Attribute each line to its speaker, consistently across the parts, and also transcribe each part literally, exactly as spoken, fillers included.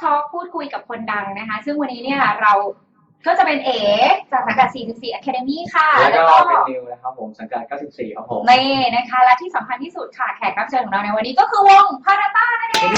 Speaker 1: ทอล์กพูดคุยกับคนดังนะคะซึ่งวันนี้เนี่ยเราก็จะเป็นเอ๋จากสังกัด สี่สิบสี่ Academy ค่ะ
Speaker 2: แล้วก็เป็นนิวนะครับผมสังกัด เก้าสิบสี่ ครับผม
Speaker 1: นี่นะคะและที่สำคัญที่สุดค่ะแขกรับเชิญของเราในวันนี้ก็คือวงพาราต้านั่นเอง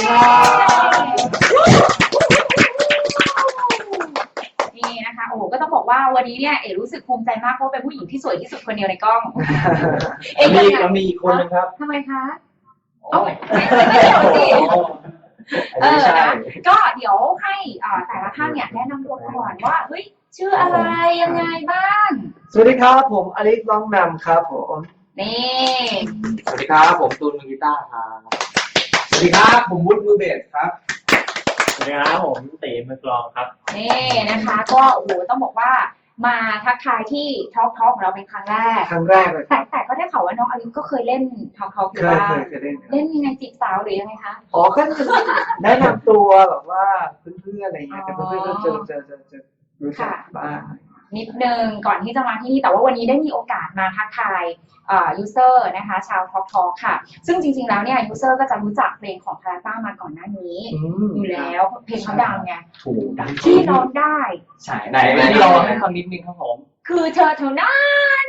Speaker 1: นี่นะคะโอ้ก็ต้องบอกว่าวันนี้เนี่ยเอ๋รู้สึกภูมิใจมากเพราะเป็นผู้หญิงที่สวยที่สุดคนเดียวในกล้อง
Speaker 2: เอ๋มีเรามีอีกคนนึงครับ
Speaker 1: ทำไมคะเอาไม่ไม่เดี๋ยวสิเออนะก็เดี๋ยวให้แต่ละท่านเนี่ยแนะนำตัวก่อนว่าเฮ้ยชื่ออะไรยังไงบ้าง
Speaker 3: สวัสดีครับผมอลิสร้องนำครับผม
Speaker 1: นี่
Speaker 2: สวัสดีครับผมตูนมือกีตาร์ครับ
Speaker 3: สวัสดีครับผมวุฒิมือเบสครับ
Speaker 2: สวัสดีครับผมตีมือกลองครับ
Speaker 1: นี่นะคะก็โอ้โหต้องบอกว่ามาทักทายที่ทอล์กทอล์กของเราเป็นครั้งแรก
Speaker 3: ครั้งแรกเลย
Speaker 1: แต่แต่ก็ได้ข่าวว่าน้องอลิสก็เคยเล่นทอล์กทอล์กอยู่บ้าง
Speaker 3: เคยเล่น
Speaker 1: เล่นยังไงจีบสาวหรือยังไงคะ
Speaker 3: อ๋อก็คือแนะนำตัวแบบว่าเพื่อนๆอะไรเงี้ยแต่เพื่อนๆก็เจอเจอเจอเจอรู้จักบ้าง
Speaker 1: นิดนึงก่อนที่จะมาที่นี่แต่ว่าวันนี้ได้มีโอกาสมาทักทายยูเซอร์นะคะชาวทอล์กทอล์กค่ะซึ่งจริงๆแล้วเนี่ยยูเซอร์ก็จะรู้จักเพลงของพาราต้ามาก่อนหน้านี้อยู่แล้วเพลงเขาดังไง
Speaker 2: ถูกดัง
Speaker 1: ที่ร้องได้
Speaker 2: ใช่ไหนที่เราให้ฟังนิดนึงครับผม
Speaker 1: คือเธอเท่านั้น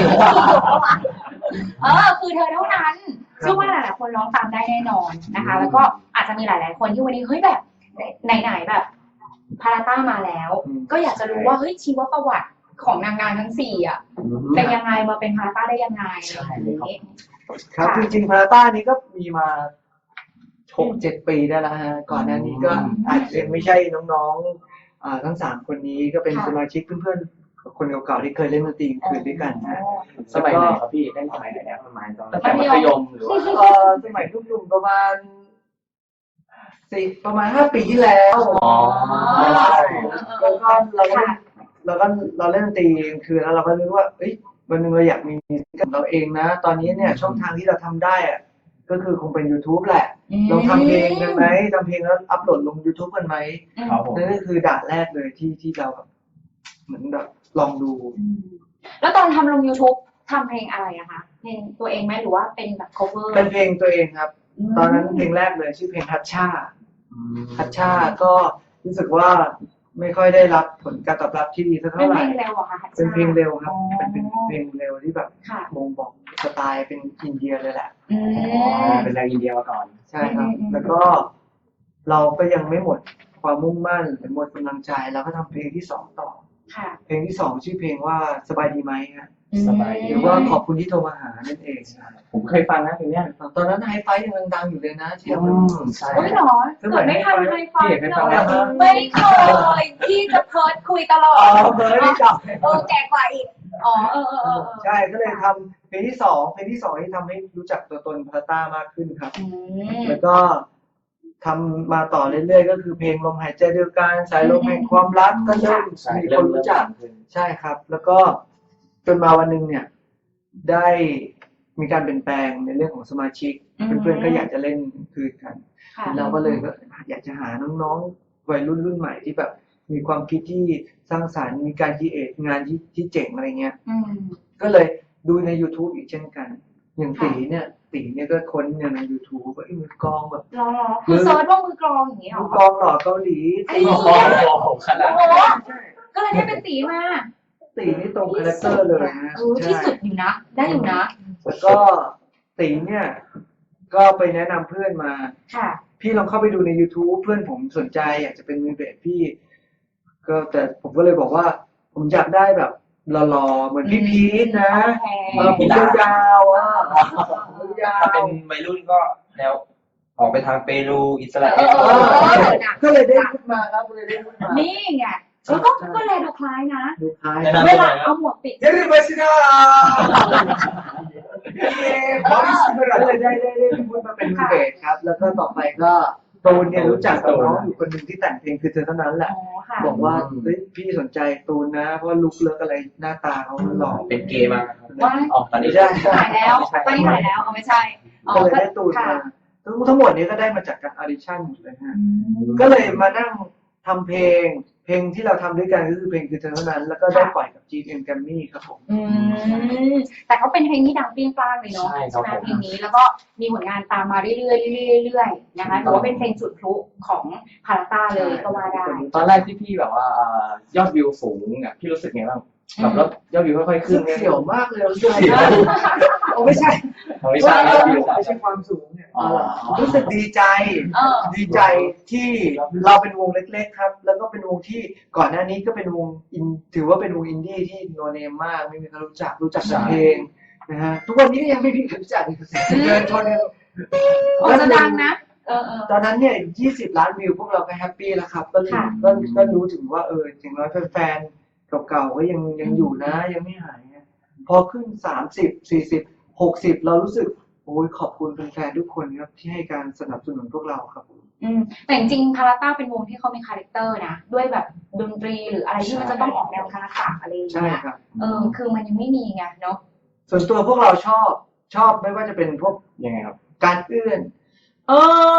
Speaker 1: เออคือเธอเท่านั้นเชื่อว่าหลายๆคนร้องตามได้แน่นอนนะคะแล้วก็อาจจะมีหลายๆคนที่วันนี้เฮ้ยแบบไหนๆแบบพาราต้ามาแล้วก็อยากจะรู้ว่าเฮ้ยชีวประวัติของนางงามทั้งสี่อ่ะเป็นยังไงมาเป็นพาราต้าได้ยังไง
Speaker 3: ครับจริงๆพาราต้านี้ก็มีมาหกเจ็ดปีได้แล้วฮะก่อนหน้านี้ก็อาจจะไม่ใช่น้องๆทั้งสามคนนี้ก็เป็นสมาชิกเพื่อนๆคนเก่าๆที่เคยเล่นดนตรีคืนด้วยกันนะ
Speaker 2: สมัยไหนครับพี่เล่นสมัยไหนนะประมาณตอนมัธยมหรือว่า
Speaker 3: เออสมัยรุ่นๆประมาณสิประมาณห้าปีที่แล้ว
Speaker 2: อ๋อ
Speaker 3: แล้วก็เราก็เราก็เราเล่นดนตรีคือแล้วเราก็รู้ว่าเอ้ยวันนึงเราอยากมีกับเราเองนะตอนนี้เนี่ยช่องทางที่เราทำได้อะก็คือคงเป็น YouTube แหละเราทำเพลงกันไหมทำเพลงแล้วอัพโหลดลง YouTube กันไหมนั่นก็คือด่านแรกเลยที่ที่เราแบบเหมือนแบบลองดู
Speaker 1: แล้วตอนทำลง YouTube ทำเพลงอะไรอะคะเพลงตัวเองไหมหรือว่าเป็นแบบ cover
Speaker 3: เป็นเพลงตัวเองครับตอนนั้นเพลงแรกเลยชื่อเพลงทัชชาทัชชาก็รู้สึกว่าไม่ค่อยได้รับผลการตอบรับที่ดีสักเท่าไหร่
Speaker 1: เป็นเพลงเร็วอะค่ะ
Speaker 3: เป็นเพลงเร็วครับเป็นเพลงเร็วที่แบบบ่งบอกสไตล์เป็นอินเดียเลยแหละ
Speaker 2: เป็นแนวอินเดียมาก่อน
Speaker 3: ใช่ครับแล้วก็เราก็ยังไม่หมดความมุ่งมั่นหรือหมดกำลังใจเราก็ทำเพลงที่สองต่อเพลงที่สองชื่อเพลงว่าสบายดีไหมฮะ
Speaker 2: สบายดี
Speaker 3: หรือว่าขอบคุณที่โทรมาหานั่นเอง
Speaker 2: ผมเคยฟังนะเพลงนี้
Speaker 3: ตอนนั้นไฮไฟยังดังอยู่เลยนะที่เรา
Speaker 1: ใช่ไม่หรอเกิดไม่ทันไฮไฟไม่เคยที่จะเพิร์ดคุยตลอด
Speaker 3: อ๋อเพิร์ดไม่จับ
Speaker 1: เออแก่กว่าอีกอ๋อเออเออ
Speaker 3: ใช่ก็เลยทำเพลงที่สองเพลงที่สองที่ทำให้รู้จักตัวตนพาราต้ามากขึ้นครับแล้วก็ทำมาต่อเรื่อยๆก็คือเพลงลมหายใจเดียวกันสายลมแห่งความรักก็เริ่มมีคนรู้จักใช่ครับแล้วก็จนมาวันหนึ่งเนี่ยได้มีการเปลี่ยนแปลงในเรื่องของสมาชิกเพื่อนๆก็อยากจะเล่นคืนกันเราก็เลยก็อยากจะหาน้องๆวัยรุ่นรุ่นใหม่ที่แบบมีความคิดที่สร้างสรรค์มีการคิดเอทงานที่ที่เจ๋งอะไรเงี้ยก็เลยดูใน YouTube อีกเช่นกันอย่างตีเนี่ยตีเนี่ยก็ค้นใน YouTube ว่ามือกลองแบบ
Speaker 1: รอคือเซิร์ชว่ามือกลองอย่างนี้หรอ
Speaker 3: มือกลองหล่อเกาหลี
Speaker 1: ตี
Speaker 2: กลองขนาด
Speaker 1: ก็เลยได้เป็นตีมา
Speaker 3: ตีนี่ตรงคาแรคเตอร์เลยนะ
Speaker 1: ที่สุดอยู่นะได้อยู่นะ
Speaker 3: แล้วก็ตีเนี่ยก็ไปแนะนำเพื่อนมาพี่ลองเข้าไปดูใน YouTube เพื่อนผมสนใจอยากจะเป็นมือเบสพี่ก็แต่ผมก็เลยบอกว่าผมอยากได้แบบหล่อๆเหมือนพี่พีทนะผมยาวๆอ่ะ
Speaker 2: ถ้าเป็นวัยรุ่นก็แล้วออกไปทางเปรูอิสราเอล
Speaker 3: ก็เลยได้ขึ้นมาครับเลยได้ขึ้นมา
Speaker 1: นี่ไงแล้วก็ก็แลดูคล้ายนะ
Speaker 3: ดูคล้าย
Speaker 1: เวลาเอาหมวกปิด
Speaker 3: เฮ้ยมาสินะบอสก็เลยได้ได้ได้พูดมาเป็นมือเบสครับแล้วก็ต่อไปก็ตูนเนี่ยรู้จักกับน้องอยู่คนหนึ่งที่แต่งเพลงคือเธอเท่านั้นแหละบอกว่าเฮ้ยพี่สนใจตูนนะเพราะลุคเลิกอะไรหน้าตาเขาหล่อ
Speaker 2: เป็นเกย์มาก
Speaker 1: ออกตอนนี้ได้ถ่ายแล้วตอนนี้ถ่ายแล้วเอาไม่ใช่
Speaker 3: ก็เลยได้ตูนมาทั้งหมดนี้ก็ได้มาจากการออดิชั่นหมดเลยฮะก็เลยมานั่งทำเพลงเพเพลงที่เราทำด้วยกันก็คือเพลงคือเธอเท่านั้นแล้วก็ได้ปล่อยกับ จี เอ็ม Grammy ครับผม
Speaker 1: อืมแต่เขาเป็นเพลงที่ดังเปรี้ยงปร้างเลยเนาะ
Speaker 4: ใช่
Speaker 1: ใช่
Speaker 4: ครับ
Speaker 1: ไหม
Speaker 4: ผม
Speaker 1: เพลงนี้แล้วก็มีผลงานตามมาเรื่อยๆเรื่อยๆเรื่อยๆนะคะถือว่าเป็นเพลงจุดพลุของพาราต้าเลยก็ว่าได้
Speaker 4: ตอนแรกที่พี่แบบว่าอ่ายอดวิวสูงเนี่ยพี่รู้สึกไงบ้างแบบแล้วยอดวิวค่อยๆ
Speaker 3: ขึ้
Speaker 4: ขึ้
Speaker 3: น
Speaker 4: น
Speaker 3: เสี่ยวมากเลยรู้สึกโอ้ไม่ใช่
Speaker 4: ไม่ใช่ยอดวิว
Speaker 3: ไม่ใช่ความสูงเนี่ย
Speaker 4: อ๋อ
Speaker 3: รู้สึกดีใจ
Speaker 1: เออ
Speaker 3: ดีใจที่เราเป็นวงเล็กๆครับ แล้วก็เป็นวงที่ก่อนหน้านี้ก็เป็นวงอินถือว่าเป็นวงอินดี้ที่โนเนมมากไม่มีใครรู้จักรู้จักแต่เพลงนะฮะทุกวันนี้ก็ยังไม่มีใครรู้จักเดินชนกัน
Speaker 1: โอ้จะดังนะเออเออ
Speaker 3: ตอนนั้นเนี่ยยี่สิบล้านวิวพวกเราก็แฮปปี้แล้วครับ ก็รู้
Speaker 1: ค่ะ
Speaker 3: ก็ก็รู้ถึงว่าเอออย่างน้อยแฟนๆเก่าๆก็ยังยังอยู่นะยังไม่หายนะพอขึ้นสามสิบสี่สิบหกสิบเรารู้สึกโอ้ยขอบคุณแฟนๆทุกคนครับที่ให้การสนับสนุนพวกเราครับ
Speaker 1: อืมแต่จริงๆพาราต้าเป็นวงที่เขามีคาแรคเตอร์นะด้วยแบบดนตรีหรืออะไรที่มันจะต้องออกแนวคาราตะอะไรอย่าง
Speaker 3: ใช่
Speaker 1: เงี้ย
Speaker 3: ครับ
Speaker 1: เออคือมันยังไม่มีไงเนาะ
Speaker 3: ส่วนตัวพวกเราชอบชอบไม่ว่าจะเป็นพวก
Speaker 4: ยังไงครับ
Speaker 3: การเอื้อนเอ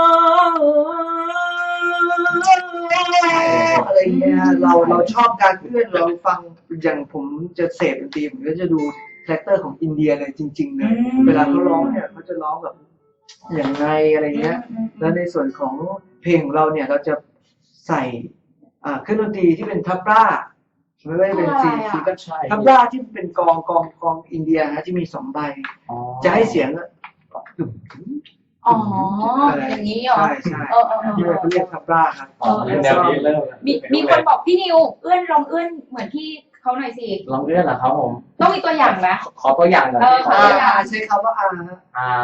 Speaker 3: ออะไรเงี้ยเราเราชอบการเอื้อนเราฟังอย่างผมจะเสพดนตรีผมก็จะดูคาแรคเตอร์ของอินเดียเลยจริงๆเลยเวลาเขาร้องเนี่ยเขาจะร้องแบบอย่างไงอะไรเงี้ย แล้วในส่วนของเพลงของเราเนี่ยเราจะใส่อ่าเครื่องดนตรีที่เป็นทับร่าไม่ว่าจะเป็นซีซีก็
Speaker 4: ใช่
Speaker 3: ทับร่าที่เป็นกองกองกองอินเดียนะที่มีสองใบ จะให้เสียงอะ
Speaker 1: อ๋ออย่างนี้เหรอ
Speaker 3: ใช่ใช่
Speaker 1: เออเออเออ
Speaker 3: ที่
Speaker 1: เอ
Speaker 3: เขา
Speaker 1: อ
Speaker 3: เรียกทับร่าครับ
Speaker 4: อ๋อแนวนี้เริ่ม
Speaker 1: มีมีคนบอกพี่นิวเอื้อนลองเอื้อนเหมือนพี่เขาหน่อยสิ
Speaker 4: ลองเลื่อนเหรอครับผม
Speaker 1: ต้องมีตัวอย่างไหม
Speaker 4: ขอตัวอย่างหน่อย
Speaker 1: เออ
Speaker 4: พี่
Speaker 1: ขอตัวอย่าง
Speaker 3: ใช้คำว่าอา
Speaker 4: อ่า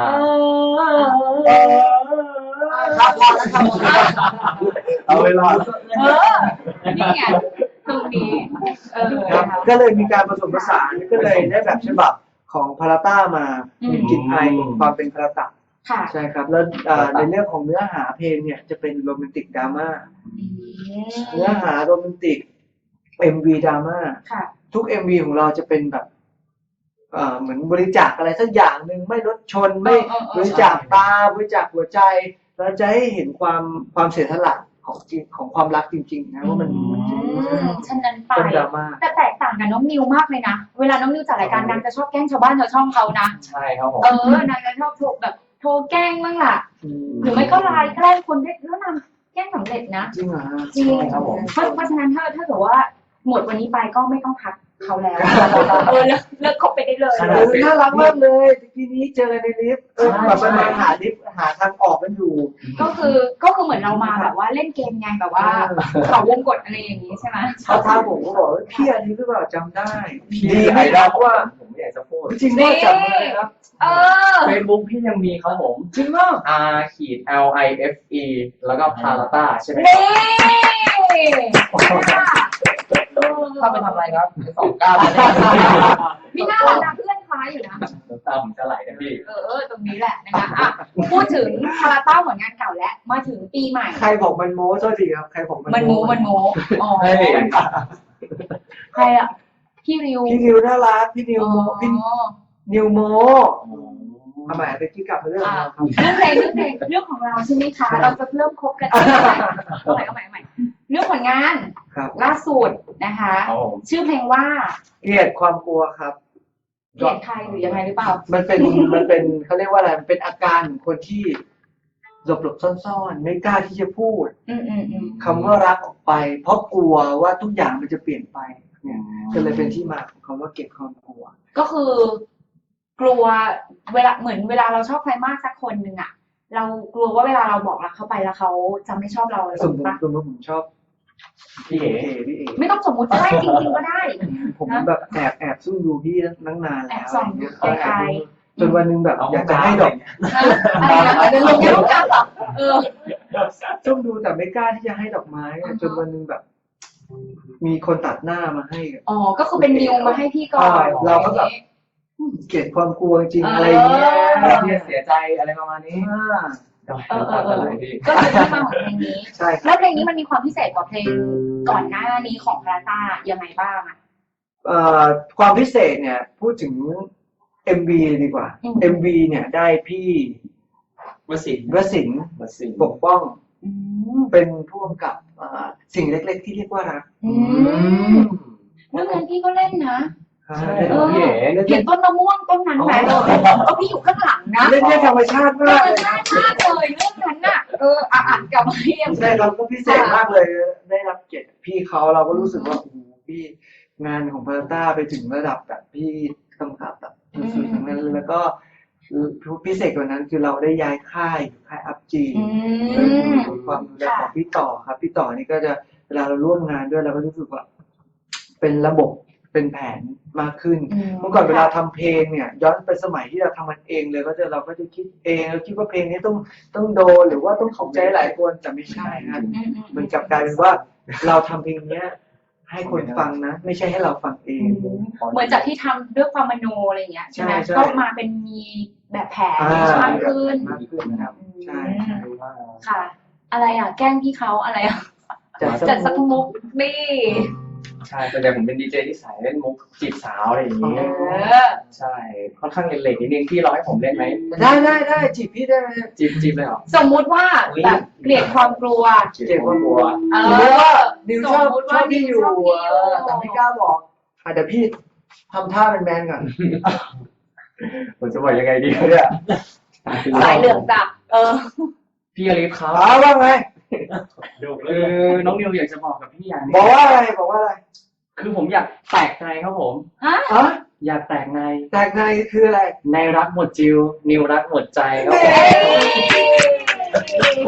Speaker 3: ครับพอแล้วครับ
Speaker 4: เอาเวลา
Speaker 1: เออนี่ไงตรงนี้เออ
Speaker 3: ครับ
Speaker 1: นะคะ
Speaker 3: ก็เลยมีการผสมผสานก็เลยได้แบบฉบับของพาราต้ามา
Speaker 1: อืม
Speaker 3: มีกลิ่นอายของความเป็นพาราตะ
Speaker 1: ค่ะ
Speaker 3: ใช่ครับ แล้วอ่าในเรื่องของเนื้อหาเพลงเนี่ยจะเป็นโรแมนติกดราม่า เนื้อหาโรแมนติก เอ็ม วี ดราม่า
Speaker 1: ค่ะ
Speaker 3: ทุก เอ็ม วี ของเราจะเป็นแบบเอ่อเหมือนบริจาคอะไรสักอย่างหนึ่งไม่รถชนไม่
Speaker 1: เออเออเออ
Speaker 3: บริจาคตาบริจาคหัวใจเราจะให้เห็นความความเสียสละของจริงของความรักจริงๆนะว่ามันมันจริง
Speaker 1: อืมฉะนั้นไป
Speaker 3: เป็นดราม่า
Speaker 1: แต่แตกต่างกับน้องนิวมากเลยนะ เวลาน้องนิวจัดรายการนางจะชอบแกล้งชาวบ้านชาวช่องเขานะ
Speaker 4: ใช่ครับผม
Speaker 1: เออนางจะชอบโทรแบบโทรแกล้งบ้างล่ะ หรือไม่ก็ไลน์แกล้งคนได้แล้วนางแกล้งสำเร็จนะ
Speaker 3: จริงเหรอฮะ
Speaker 1: จริง
Speaker 4: ครับผม
Speaker 1: เพราะเพราะฉะนั้นถ้าถ้าเกิดว่าหมดวันนี้ไปก็ไม่ต้องทักเขาแล้ว เออเลิกเลิกคบไปได้เลย
Speaker 4: ข
Speaker 3: เอ
Speaker 4: นาด
Speaker 3: อน่ารักมากเลยทีนี้เจอกันในลิฟต์เออแบบปัญหาหาลิฟต์หาทางออกกันอยู่
Speaker 1: ก็คือก็คือเหมือนเรามาแบบว่าเล่นเกมไงแบบว่าเขาวงกดอะไรอย่างนี้ใช่ไหม
Speaker 3: เขาท้าผมก็บอกว่าพี่อันนี้หรือเปล่าจำได้
Speaker 4: พี่
Speaker 3: ดี
Speaker 4: ไอ
Speaker 3: ไม่
Speaker 4: ดอ
Speaker 3: ได้
Speaker 4: ล
Speaker 3: เพราะว่า
Speaker 4: ผมไม่อยากจะพูด
Speaker 3: จริงๆว่าจำได้ครับ
Speaker 1: เออ
Speaker 4: เฟซบุ๊กพี่ยังมีครับผม
Speaker 3: จริงมาก
Speaker 4: R ขีด L I F E แล้วก็พาราต้าใช่ไหม
Speaker 1: นี่
Speaker 4: เข้าไปทำอะไรครับสองเก้า
Speaker 1: มีหน้าเราดังเพื่อนคล้ายอยู่นะ
Speaker 4: น้ำตาผมจะไหลนะพี่
Speaker 1: เออเออตรงนี้แหละนะคะอ่ะพูดถึงคาราต้าผลงานเก่าแล้วมาถึงปีใหม่
Speaker 3: ใครบอกมันโม้โทษทีครับใครบอกมัน
Speaker 1: มันโมมันโมอ๋อ
Speaker 4: เฮ้ย
Speaker 1: ใครอ่ะพี่ริว
Speaker 3: พี่นิวน่ารักพี่นิว
Speaker 1: อ๋อ
Speaker 3: โมพี่นิวโมทำไมตะกี้กลับมาเรื่องของเราครับ
Speaker 1: เรื่องเพลงเรื่องเพลงเรื่องของเราใช่ไหมคะเราจะเริ่มคบกันเอาใหม่เอาใหม่เอาใหม่เอาใหม่เรื่องผลงาน
Speaker 3: ครับ
Speaker 1: ล่าสุดนะคะ
Speaker 4: ครับผม
Speaker 1: ชื่อเพลงว่า
Speaker 3: เกลียดความกลัวครับ
Speaker 1: เกลียดใครหรือยังไงหรือเปล่า
Speaker 3: มันเป็นมันเป็นเขาเรียกว่าอะไรมันเป็นอาการของคนที่หลบหลบซ่อนๆ ไม่กล้าที่จะพูด
Speaker 1: อืมอืมอืม
Speaker 3: คำว่ารักออกไป เพราะกลัวว่าทุกอย่างมันจะเปลี่ยนไปเนี่ยก็เลยเป็นที่มาของคำว่าเกลียดความกลัว
Speaker 1: ก็คือ กลัวเวลาเหมือนเวลาเราชอบใครมากสักคนหนึ่งอ่ะ เรากลัวว่าเวลาเราบอกรักเขาไปแล้วเขาจะไม่ชอบเราอะไร
Speaker 3: สมม
Speaker 1: ปะ
Speaker 3: ติสมมติผมชอบ
Speaker 4: พี่เอ๋
Speaker 3: พี่เอ
Speaker 1: ไม่ต้องสมมุติก็ได้จริงๆก็ได้
Speaker 3: ผมแบบแอบแอบซุ่มดูพี่ตั้งนานแล้ว
Speaker 1: แอบส่อง
Speaker 3: ะไรเงี้ย
Speaker 1: ไกลๆ
Speaker 3: แอบดูจนวันหนึงแบบอยากจะให้ดอก
Speaker 1: อะไรนะอาจจะลงแค่ลูกค้าเหรอเออ
Speaker 3: ซุ่มดูแต่ไม่กล้าที่จะให้ดอกไม้อะ
Speaker 1: อือฮะ
Speaker 3: จนวันหนึงแบบ มีคนตัดหน้ามาให้อะ
Speaker 1: อ๋อก็คือเป็นนิวมาให้พี่ก่อน
Speaker 3: ใช่เราก็แบบ เกลียดความกลัวจริงๆอะไรเงี้ย
Speaker 4: พี่เสียใจอะไรประมาณนี้
Speaker 3: อ่า
Speaker 1: เออเออเออ
Speaker 4: พี่
Speaker 1: ก็คือที่มาของเพลงนี้
Speaker 3: ใช่ครับ
Speaker 1: แล้วเพลงนี้มันมีความพิเศษกว่าเพลงก่อนหน้านี้ของพาราต้ายังไงบ้างอ่ะ
Speaker 3: เอ่อความพิเศษเนี่ยพูดถึง เอ็ม วี ดีกว่า
Speaker 1: อืม
Speaker 3: เอ็ม วี เนี่ยได้พี่
Speaker 4: วสิน
Speaker 3: วสินทร์
Speaker 4: วสิน
Speaker 3: ปกป้อง
Speaker 1: อืม
Speaker 3: เป็นผู้กำกับอ่าสิ่งเล็กๆที่เรียกว่ารัก
Speaker 1: อืมเรื่องนั้นพี่ก็เล่นนะ
Speaker 4: ใช่
Speaker 1: เออ
Speaker 4: พี่เอ๋
Speaker 1: เห็นต้นมะม่วงต้นนั้นไหมเออเออพี่อยู่ข้างหลังนะ
Speaker 3: เล่นได้ธรรมชาติ
Speaker 1: ธร
Speaker 3: มาก
Speaker 1: รม
Speaker 3: เลย
Speaker 1: ชาติมากเลยเรื่องนั้นน่ะเอออ่ะอ่านกลับมาเรียง
Speaker 3: ใช่เราก็พิเศษมากเลยได้รับเกียรติพี่เขาเราก็รู้สึกว่าโอ้โหพี่งานของพาราต้าไปถึงระดับแบบพี่กำกับแบบสุดๆทั้งนั้นเลยแล้วก็พิเศษกว่านั้นคือเราได้ย้ายค่ายค่ายอัพจี
Speaker 1: อืม
Speaker 3: ความดูแลของพี่ต่อครับพี่ต่อนี่ก็จะเวลาเราร่วมงานด้วยเราก็รู้สึกว่าเป็นระบบเป็นแผนมากขึ้น
Speaker 1: อืม
Speaker 3: เมื่อก่อนเวลาทำเพลงเนี่ยย้อนไปสมัยที่เราทำมันเองเลยก็จะเราก็จะคิดเองเราคิดว่าเพลงนี้ต้องต้องโดนหรือว่าต้องถูกใจหลายคนแต่ไม่ใช่นะ
Speaker 1: อืมอืม
Speaker 3: มันกลับกลายเป็นว่าเราทำเพลงเนี้ยให้คนฟังนะ ไม่ใช่ให้เราฟังเอง
Speaker 1: เหมือนจากที่ทำด้วยความมโนอะไรอย่างเงี้ยใช่ไหม
Speaker 3: ใช่ใช่
Speaker 1: ก็มาเป็นมีแบบแผน
Speaker 3: อ่าม
Speaker 1: ากขึ้น
Speaker 3: มากขึ้นนะครับ ใช่ใช่
Speaker 1: ค่ะ อะไรอ่ะ แกล้งพี่เขาอะไรอ่ะ
Speaker 3: จัด
Speaker 1: จัดสักมุกนี่
Speaker 4: ใช่แต่ผมเป็นดีเจที่สายเล่นมุกจีบสาวอะไรอย่าง
Speaker 1: เอ
Speaker 4: เงี้ย
Speaker 1: อ
Speaker 4: ใช่ค่อนข้างเล็กๆนิดนึงพี่ร้องให้ผมเล่นไหม
Speaker 3: ได้ได้ได้จีบพี่ได้ไหม
Speaker 4: จีบจีบเลยเหรอ
Speaker 1: สมมุติว่าแบบเกลียดความกลัว
Speaker 3: เจ็บความกลัว
Speaker 1: เอ
Speaker 3: สมมติ
Speaker 1: อ
Speaker 3: ว่าดิวชอบ
Speaker 1: สมมุติ
Speaker 3: ช
Speaker 1: ว่า
Speaker 3: อบพี่อยู่
Speaker 1: ดิวชอบพี่อยู่
Speaker 3: เออแต่ไม่กล้าบอกอ่ะเดี๋ยวพี่ทำท่าเป็นแมนก่อน
Speaker 4: ผมจะบอกยังไงดีเนี่ย
Speaker 1: สายเหลืองจับเออ
Speaker 4: พี่อลิฟครับ
Speaker 3: อ๋อว่าไง
Speaker 4: คือน้องนิวอยากจะบอกกับพี่อย่างหนึง
Speaker 3: บอกว่าอะไรบอกว่าอะไร
Speaker 4: คือผมอยากแตกในครับผม
Speaker 1: ฮะ
Speaker 3: อ๋อ
Speaker 4: อยากแตกใน
Speaker 3: แตกในคืออะไร
Speaker 4: ในรักหมดจิว นิวรักหมดใจครับผ
Speaker 3: เฮ้
Speaker 4: ม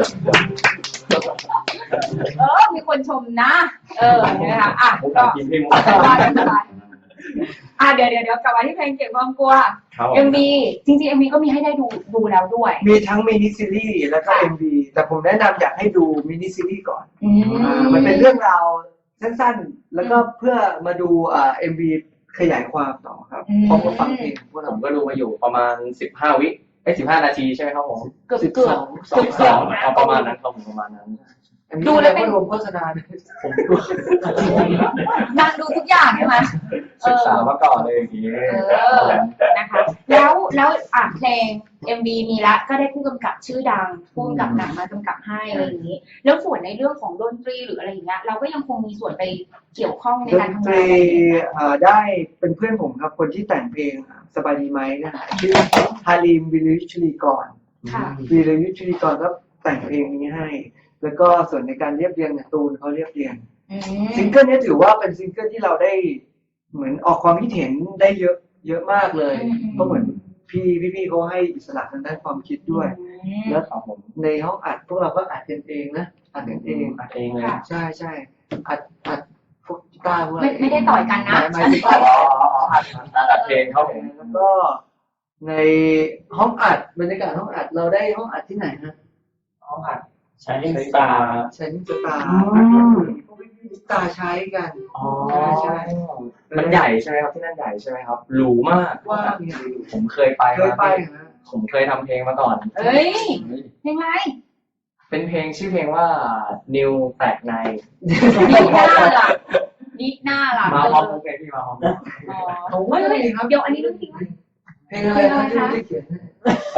Speaker 1: เออ มีคนชมนะ เออนะคะอ่ะ
Speaker 4: ผม
Speaker 1: ก็
Speaker 4: ถามกินพี่มุก
Speaker 1: สบายสบายอ่ะเดี๋ยวเดี๋ยวเดี๋ยวกลับมาที่เพลงเก็บความกลัว
Speaker 4: ครับผม
Speaker 1: เอ็ม วี จริงๆ เอ็ม วี ก็มีให้ได้ดูดูแล้วด้วย
Speaker 3: มีทั้งมินิซีรีส์แล้วก็ เอ็ม วี แต่ผมแนะนำอยากให้ดูมินิซีรีส์ก่อน
Speaker 1: อื
Speaker 3: อ่ามันเป็นเรื่องราวสั้นๆ แล้วก็เพื่อมาดูอ่า เอ็ม วี ขยายความต่อครับพร้อมกับฟังเพลงของพวก
Speaker 4: ผ
Speaker 3: เรา
Speaker 4: มก็ดูมาอยู่ประมาณสิบห้าวิเอ้สิบห้านาทีใช่ไหมครับผม
Speaker 1: เกือบ
Speaker 3: สิบ
Speaker 1: เกื
Speaker 3: ส
Speaker 1: อ
Speaker 3: อบ ง
Speaker 1: เกือบ
Speaker 4: สิบ
Speaker 1: เกื
Speaker 4: ส
Speaker 1: อ
Speaker 4: อบ ง
Speaker 1: นะ
Speaker 4: เอาประมาณนั้นครับผมประมาณนั้น
Speaker 3: ดูแล้วไม่รวมโฆษณาด้วย
Speaker 4: ผมดู
Speaker 1: นางดูทุกอย่างใช่ไหม
Speaker 4: ศึกษามาก่อนเลยอย่างนี้
Speaker 1: เออ นะคะ แล้วแล้วอ่ะเพลง เอ็ม วี มีละก็ได้ผู้กำกับชื่อดังผู้กำกับหนังมากำกับให้อะไรอย่างนี้ แล้วส่วนในเรื่องของดนตรีหรืออะไรอย่างเงี้ยเราก็ยังคงมีส่วนไปเกี่ยวข้องใน
Speaker 3: ด
Speaker 1: การ
Speaker 3: น
Speaker 1: ทำ
Speaker 3: ต
Speaker 1: งาน
Speaker 3: รี
Speaker 1: อะไรอย่างเงี้ย
Speaker 3: อ่าได้เป็นเพื่อนผมครับ คนที่แต่งเพลงอ่ะสบายดีไหมนะฮะชื่อฮาริมวิริยุชลีกร
Speaker 1: ค่ะ
Speaker 3: วิริยุชลีกรก็แต่งเพลงนี้ให้ แล้วก็ส่วนในการเรียบเรียงเนี่ยตูนเขาเรียบเรียง
Speaker 1: อืม
Speaker 3: ซิงเกิลนี้ถือว่าเป็นซิงเกิลที่เราได้เหมือนออกความคิดเห็นได้เยอะเยอะมากเลย
Speaker 1: อืมอืม
Speaker 3: ก็เหมือนพี่พี่พี่เขาให้อิสระทางด้านความคิดด้วย แล้ว
Speaker 4: ครับผม
Speaker 3: ในห้องอัดพวกเราก็อัดกันเองนะอัดกันเอง
Speaker 4: อัดเองเลย
Speaker 1: ค่ะ
Speaker 3: ใช่ใช่อัดอัดพวกกีตาร์พวกอะไร
Speaker 1: ไม่ไม่ได้ต่อยกันนะ
Speaker 3: ไม่ไม่
Speaker 4: อ๋ออ๋ออัดอัดเพลงครับผม
Speaker 3: แล้วก็ในห้องอัดบรรยากาศห้องอัดเราได้ห้องอัดที่ไหนฮะ
Speaker 4: ห้องอัดใช้ลิงตา
Speaker 3: ใช้นิสตา
Speaker 4: อืม
Speaker 3: พวกพี่นิสตาใช้กัน
Speaker 4: อ๋อ
Speaker 3: ใช่
Speaker 4: มันใหญ่ใช่ไหมครับที่นั่นใหญ่ใช่ไหมครับหรูมาก
Speaker 3: ว่าเนี่ย
Speaker 4: ผมเคยไป
Speaker 3: เคยไป
Speaker 4: มา
Speaker 3: นะ
Speaker 4: ผมเคยทำเพลงมาก่อน
Speaker 1: เอ้ยเพลงไร
Speaker 4: เป็นเพลงชื่อเพลงว่า New แตกใน
Speaker 1: นิกหน้าล่ะนิกหน้าล่ะ
Speaker 4: มาพร้อมกันพี่มาพร้อมกัน
Speaker 1: อ๋อเฮ้ยเฮ้ยเดี๋ยวอันนี้เรื่องจริงไหม
Speaker 3: เพลงอะไรครับที่ไม่ได้เขียนให้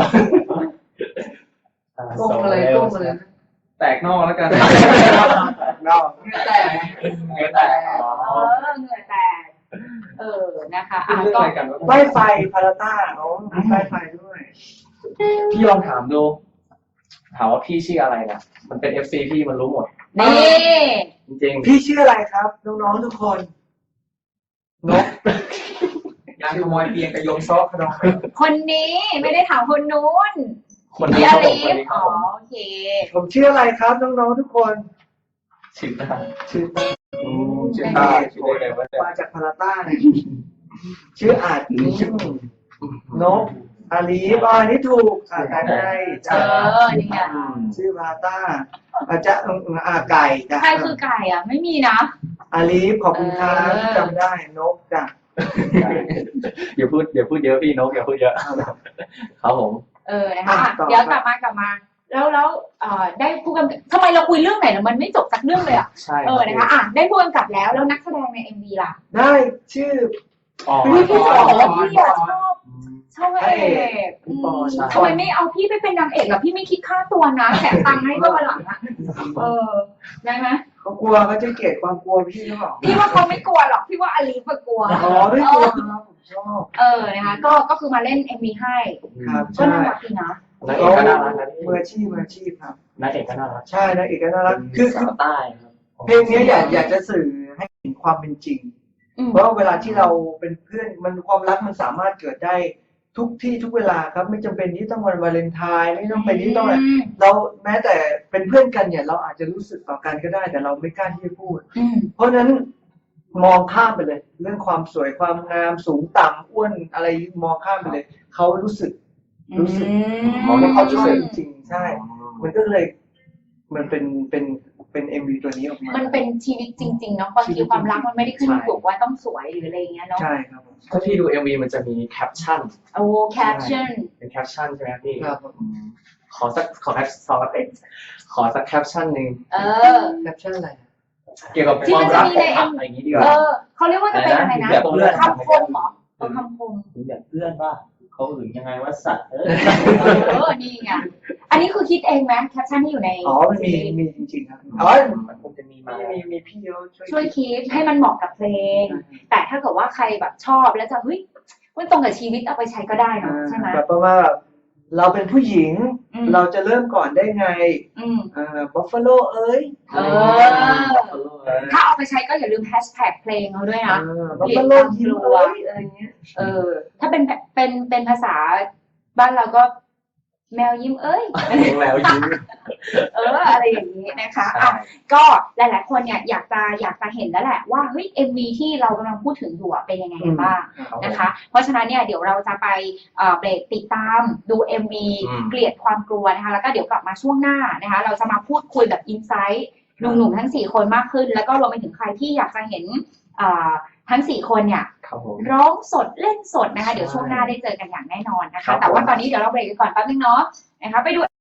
Speaker 3: ก้มอะไรก้มอะไรนะ
Speaker 4: แตกนอกแล้วกัน
Speaker 3: นอกเงื่อแตก
Speaker 4: เงี้ยแตก
Speaker 1: เออเหงื่อแตกเออนะคะ
Speaker 4: อ่ะ
Speaker 1: อ่ะ
Speaker 4: เรื่อง
Speaker 1: ก็
Speaker 4: อะไรกัน
Speaker 3: ไฟไฟพาราต้าเขามีไฟไฟด้วย
Speaker 4: พี่ลองถามดู ถามว่าพี่ชื่ออะไรนะมันเป็น เอฟ ซี พี่มันรู้หมด
Speaker 1: นี่
Speaker 4: จริง
Speaker 3: พี่ชื่ออะไรครับ น้องๆทุกคนนก
Speaker 2: งานขโมยเตียงกับโยมซอกขนม
Speaker 1: คนนี้ไม่ได้ถามคนนู้น
Speaker 4: ๆคน
Speaker 1: พี่
Speaker 4: นี้
Speaker 1: อ
Speaker 4: ครับผ
Speaker 1: ลิ
Speaker 4: มคน
Speaker 1: ฟ
Speaker 4: นี้ครั
Speaker 1: อ๋
Speaker 4: บ
Speaker 1: อ
Speaker 4: ผม
Speaker 1: โอเค
Speaker 3: ผมชื่ออะไรครับน้องๆทุกคน
Speaker 4: ชื่อตา
Speaker 3: ชื่อ
Speaker 4: อืมชื่อตาชื่อได้เลยว่าจะ
Speaker 3: มาจากพาราต้าเนี่ยชื่ออาจนกอาลีฟอ่านี่ถูกอ่าแต่ไง
Speaker 1: เอ
Speaker 3: จ้า
Speaker 1: อนี่ไง
Speaker 3: ชื่อพาราต้าอาจจะอืมอาไก่จ้ะ
Speaker 1: ใครคือไก่อ่ะ ไม่มีนะ
Speaker 3: อาลีฟขอบคุณครับ
Speaker 1: เออ
Speaker 3: ที่จำได้นกจ้ะ
Speaker 4: อย่าพูดอย่าพูดเยอะพี่นกอย่าพูดเยอะครับผม
Speaker 1: เออนะคะอ่ะเดี๋ยวกลับมากลับมา แล้วแล้วเอ่อได้ผู้กำกับทำไมเราคุยเรื่องไหนแล้วมันไม่จบสักเรื่องเลยอ่ะ
Speaker 4: ใช่
Speaker 1: เออนะคะอ่ะได้ผู้กำกับแล้วแล้วนักแสดงในเอ็มวีล่ะ
Speaker 3: ได้ชื่อ
Speaker 4: อ๋อ
Speaker 1: พี่พี่สองพี่อ่ะชอบชชอบพระเอกอืมทำไมไม่เอาพี่ไปเป็นนางเอกล่ะพี่ไม่คิดค่าตัวนะแถมตังค์ให้ด้วยวันหลังอ่ะเออได้ไหม
Speaker 3: เขากลัวเขาจะเกลียดความกลัวพี่หรือเปล่า
Speaker 1: พี่ว่าเขาไม่กลัวหรอกพี่ว่าอลีฟกลัว
Speaker 3: อ๋อไม่กลัวครับผมชอบ
Speaker 1: เออนะคะก็ก็คือมาเล่น เอ็ม วี ให้
Speaker 3: ครับ
Speaker 1: ก็
Speaker 3: ใช่
Speaker 1: น่ารักดีนะ
Speaker 4: นางเอกก็น่ารักนะพี่
Speaker 3: มืออาชีพมืออาชีพครับ
Speaker 4: นางเอกก็น่ารัก
Speaker 3: ใช่นางเอกก็น่ารักคือ
Speaker 4: สาวใต้ครับ
Speaker 3: เพลงนี้อยากอยากจะสื่อให้เห็นความเป็นจริง
Speaker 1: อืม
Speaker 3: เพราะเวลาที่เราเป็นเพื่อนมันความรักมันสามารถเกิดได้ทุกที่ทุกเวลาครับไม่จำเป็นที่ต้องวันวาเลนไทน์ไม่ต้องเป็นที่ต้องอะไร
Speaker 1: ม
Speaker 3: เราแม้แต่เป็นเพื่อนกันเนี่ยเราอาจจะรู้สึกต่อกันก็ได้ แต่เราไม่กล้าที่จะพูด
Speaker 1: อืม
Speaker 3: เพราะฉะนั้นมองข้ามไปเลย เรื่องความสวยความงามสูงต่ำอ้วนอะไรมองข้ามไปเลยเขารู้สึก รู้สึก
Speaker 4: มองให้เขารู้สึก
Speaker 3: จริงๆใช่ มันก็เลย มันเป็นเป็นเป็นเอ็มวีตัวนี้ออกมา
Speaker 1: มันเป็นชีวิตจริงๆเนาะบางทีความรักมันไม่ได้ขึ้นอยู่กับว่าต้องสวยหรืออะไรอย่างเงี้ยเนาะ
Speaker 3: ใช่ครับผม
Speaker 4: ถ้าพี่ดู เอ็ม วี มันจะมีแคปชั่น
Speaker 1: โอ้แคปชั่น
Speaker 4: เป็นแคปชั่นใช่ไหมครับพี่
Speaker 3: ครับผม
Speaker 4: ขอสักขอแคปซอสเอ็กขอสักแคปชั่นหนึ่ง
Speaker 1: เออ
Speaker 3: แคปชั่นอะไร
Speaker 4: เกี่ยวกับ
Speaker 1: ที่
Speaker 4: ความ
Speaker 1: มันจะ
Speaker 4: รัก
Speaker 1: มี
Speaker 4: ข
Speaker 1: ใน
Speaker 4: องผักอะไรอย่างนี้ดีก
Speaker 1: เอ
Speaker 4: ว่า
Speaker 1: อเขาเรียกว่าจะเป็นอะไรนะ
Speaker 4: แบบเพื่อน
Speaker 1: คำคมเหรอเออคำคม
Speaker 2: หรือแบบเพื่อนว่าเขาหึงยังไงว่าสัตว์เออ
Speaker 1: เออนี่ไงอันนี้คือคิดเองไหมแคปชั่นที่อยู่ใน
Speaker 3: อ๋อ มันมีมีจริงๆครับอ๋อ
Speaker 2: มันคงจะมีมา
Speaker 3: มีมีมีพี่เขาช่วย
Speaker 1: ช่วยคิดให้มันเหมาะกับเพลง แต่ถ้าเกิดว่าใครแบบชอบแล้วจะเฮ้ยมันตรงกับชีวิตเอาไปใช้ก็ได้เนอะใช่ไหม
Speaker 3: แบบประมาณแบบเราเป็นผู้หญิง
Speaker 1: อืม
Speaker 3: เราจะเริ่มก่อนได้ไง
Speaker 1: อืม
Speaker 3: อ่าบัฟฟาโลเอ้ย
Speaker 1: เออ ถ้าเอาไปใช้ก็อย่าลืมแฮชแท็กเพลงเขาด้วยนะ
Speaker 3: บัฟฟาโลยิ้มเอ้ยอะไรเงี้ย
Speaker 1: เออ ถ้าเป็นเป็นเป็นภาษาบ้านเราก็แมวยิ้มเอ้ย
Speaker 4: แล้วยิ้ม
Speaker 1: เอออะไรอย่างนี้นะคะอ่ะก็หลาย ๆ คนเนี่ยอยากจะอยากจะเห็นแล้วแหละว่าเฮ้ย เอ็ม วี ที่เรากำลังพูดถึงอยู่อะเป็นยังไงกันบ้างนะคะ เพราะฉะนั้นเนี่ยเดี๋ยวเราจะไปเอ่อเบรกติดตามดู เอ็ม วี
Speaker 4: อืม
Speaker 1: เกลียดความกลัวนะคะ แล้วก็เดี๋ยวกลับมาช่วงหน้านะคะ เราจะมาพูดคุยแบบอินไซต์หนุ่ม ๆ ทั้งสี่คนมากขึ้น แล้วก็รวมไปถึงใครที่อยากจะเห็นเอ่อทั้งสี่คนเนี่ย
Speaker 4: ครับผม
Speaker 1: ร้องสดเล่นสดนะคะ เดี๋ยวช่วงหน้าได้เจอกันอย่างแน่นอนนะ
Speaker 4: ครั
Speaker 1: คะ
Speaker 4: บ
Speaker 1: แต่ว่าตอนนี้เดี๋ยวเราเบรกกันก่อนแป๊บนึงเนาะนะคะไปดู